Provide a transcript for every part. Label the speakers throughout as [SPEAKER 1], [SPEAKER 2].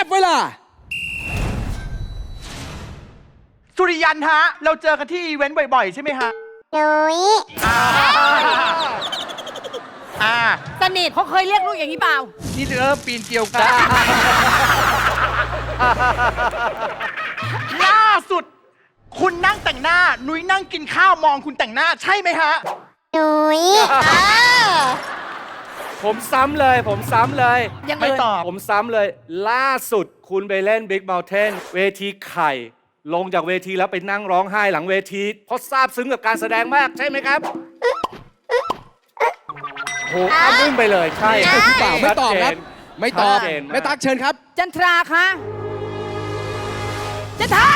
[SPEAKER 1] เวลา
[SPEAKER 2] สุริยันฮะเราเจอกันที่อีเวนต์บ่อยๆใช่ไหมฮะ
[SPEAKER 3] นุ้ย
[SPEAKER 4] สนิทเขาเคยเรียกลูกอย่างนี้เปล่า
[SPEAKER 2] นี่เริ่มปีนเกลียวกัน ล่าสุด คุณนั่งแต่งหน้า นุ้ยนั่งกินข้าวมองคุณแต่งหน้าใช่ไหมฮะ
[SPEAKER 3] นุ้ย
[SPEAKER 5] ผมซ้ำเลย
[SPEAKER 4] ยัง
[SPEAKER 2] ไม่ตอบ
[SPEAKER 5] ผมซ้ำเลย ล่าสุดคุณไปเล่น Big Mountain เวทีไข่ ลงจากเวทีแล้วไปนั่งร้องไห้หลังเวที เพราะซาบซึ้งกับการแสดงมากใช่ไหมครับโหอ้ามุ่งไปเลยใช่
[SPEAKER 1] เปล่าไม่ตอบครับ ไม่ตอบ
[SPEAKER 5] ชัดเจนมาก
[SPEAKER 1] แม่ตั๊กเชิญครับ
[SPEAKER 4] จันทราคะจันทรา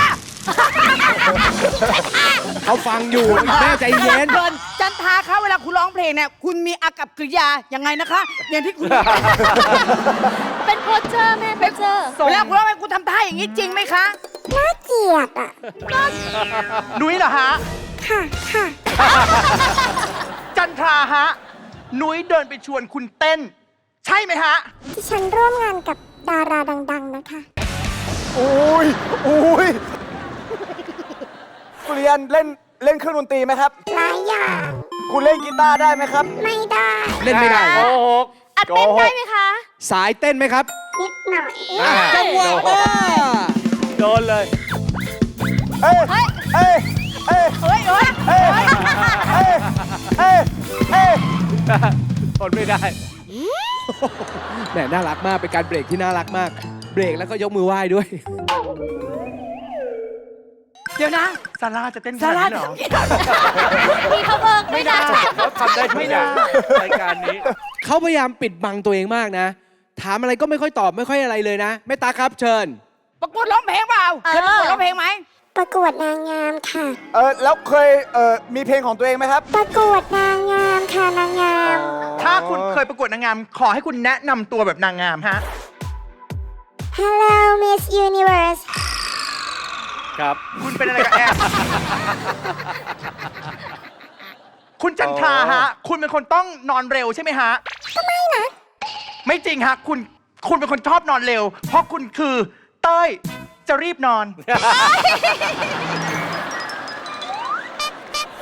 [SPEAKER 1] เขาฟังอยู่แม่ใจเย็น
[SPEAKER 4] เพลินจันทราคะเวลาคุณร้องเพลงเนี่ยคุณมีอากับกริยายังไงนะคะอย่างที่คุณ
[SPEAKER 3] เป็นโพสเจอร์แม่โพสเจอร์
[SPEAKER 4] เวลาคุณร้องเพลงคุณทำท่าอย่างนี้จริงไหมคะ
[SPEAKER 3] น่าเกลียดอ่ะ
[SPEAKER 2] นุ้ยเหรอฮะ
[SPEAKER 3] ค่ะค่ะ
[SPEAKER 2] จันทราฮะ นุ้ยเดินไปชวนคุณเต้น ใช่ไหมฮะ
[SPEAKER 3] ที่ฉันร่วมงานกับดาราดัง ๆ นะคะ
[SPEAKER 6] อุ้ยสุริยันเล่นเครื่องดนตรีไหมครับ
[SPEAKER 3] หลายอย่าง
[SPEAKER 6] คุณเล่นกีตาร์ได้ไหมครับ
[SPEAKER 3] ไม่ได้
[SPEAKER 1] เล่นไม่ได้
[SPEAKER 5] โกหก
[SPEAKER 3] อัดเต้นได้ไหมคะ
[SPEAKER 1] สายเต้นไหมครับ
[SPEAKER 3] นิดหน่อย
[SPEAKER 1] จังหวะมา
[SPEAKER 5] โดนเลย
[SPEAKER 6] เอ้ยเอ้ยเอ้ย
[SPEAKER 4] เฮ้ยเฮ้ย
[SPEAKER 6] เอ้ยเอ้ยเอ้ยเอ้ย
[SPEAKER 5] ทนไม่ได้
[SPEAKER 1] แหมน่ารักมากเป็นการเบรกที่น่ารักมาก เบรกแล้วก็ยกมือไหว้ด้วย
[SPEAKER 4] เดี๋ยวนะ
[SPEAKER 2] ซาร่าจะเต้นข
[SPEAKER 4] ซา
[SPEAKER 2] นาด
[SPEAKER 4] ร่า
[SPEAKER 2] นี้เหรอ
[SPEAKER 3] พี่เขาเบิกไม่ได้
[SPEAKER 5] เขาทำได้ทุกอย่างรายการนี้
[SPEAKER 1] เขาพยายามปิดบังตัวเองมากนะ ถามอะไรก็ไม่ค่อยตอบไม่ค่อยอะไรเลยนะแม่ตั๊กครับเชิญ
[SPEAKER 4] ประกวดร้องเพลงเปล่าเคยประกวดร้องเพลงไหม
[SPEAKER 3] ประกวดนางงามค่ะ
[SPEAKER 6] แล้วเคยมีเพลงของตัวเองไหมครับ
[SPEAKER 3] ประกวดนางงามค่ะนางงาม
[SPEAKER 2] ถ้าคุณเคยประกวดนางงาม ขอให้คุณแนะนำตัวแบบนางงามฮะ
[SPEAKER 3] Hello Miss Universe
[SPEAKER 5] ครับ
[SPEAKER 2] คุณเป็นอะไรกับแอม คุณจันทราฮะ คุณเป็นคนต้องนอนเร็วใช่ไหมฮะ
[SPEAKER 3] ก็ไม่นะ
[SPEAKER 2] ไม่จริงฮะ คุณเป็นคนชอบนอนเร็ว เพราะคุณคือเต้ยจะรีบนอน